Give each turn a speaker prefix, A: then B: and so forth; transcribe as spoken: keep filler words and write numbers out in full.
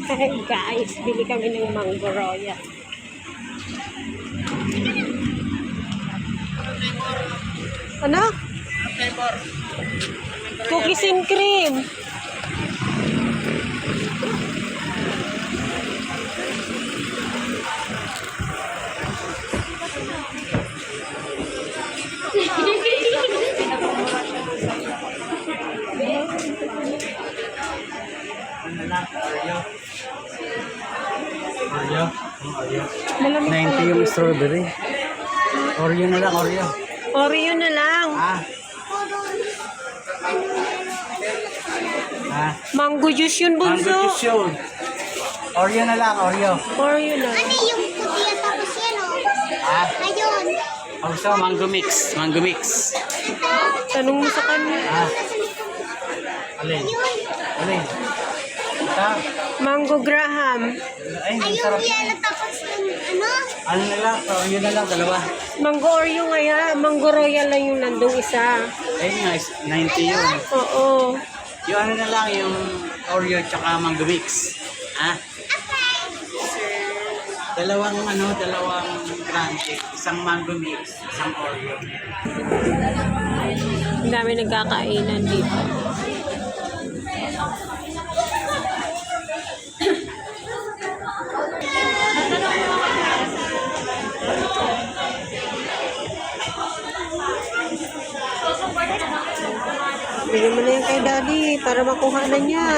A: Hey guys, bili kami ng mango royal. Ano? Cookies and cream.
B: Oreo. Oreo.
A: Malamig
B: ninety yung strawberry. Oreo na lang, Oreo.
A: Oreo na lang.
B: Ah. Ah.
A: Mango juice yun,
B: Mango
A: bunso.
B: juice yun. Oreo na lang, Oreo.
A: Oreo na.
C: Ano yung puti at tapos yan o?
B: Ah.
C: Ayun.
B: Also, mango mix. Mango mix.
A: Tanong mo sa kanya.
B: Ah. Alin? Alin? Ito.
A: Mango Graham.
B: Ay, ang
C: Ayun
B: sarap.
C: yan at tapos yung ano?
B: Ano na lang? Oreo na lang, dalawa.
A: Mango Oreo nga. Mango royal lang yung nandong isa.
B: Ayun nga, ninety yun.
A: Oo.
B: Yung ano na lang, yung Oreo tsaka mango mix. Ah. Dalawang ano, dalawang grande. Isang mango mix, isang Oreo.
A: Ang dami nagkakainan dito. Bigyan mo na yan kay Daddy para makuha na niya.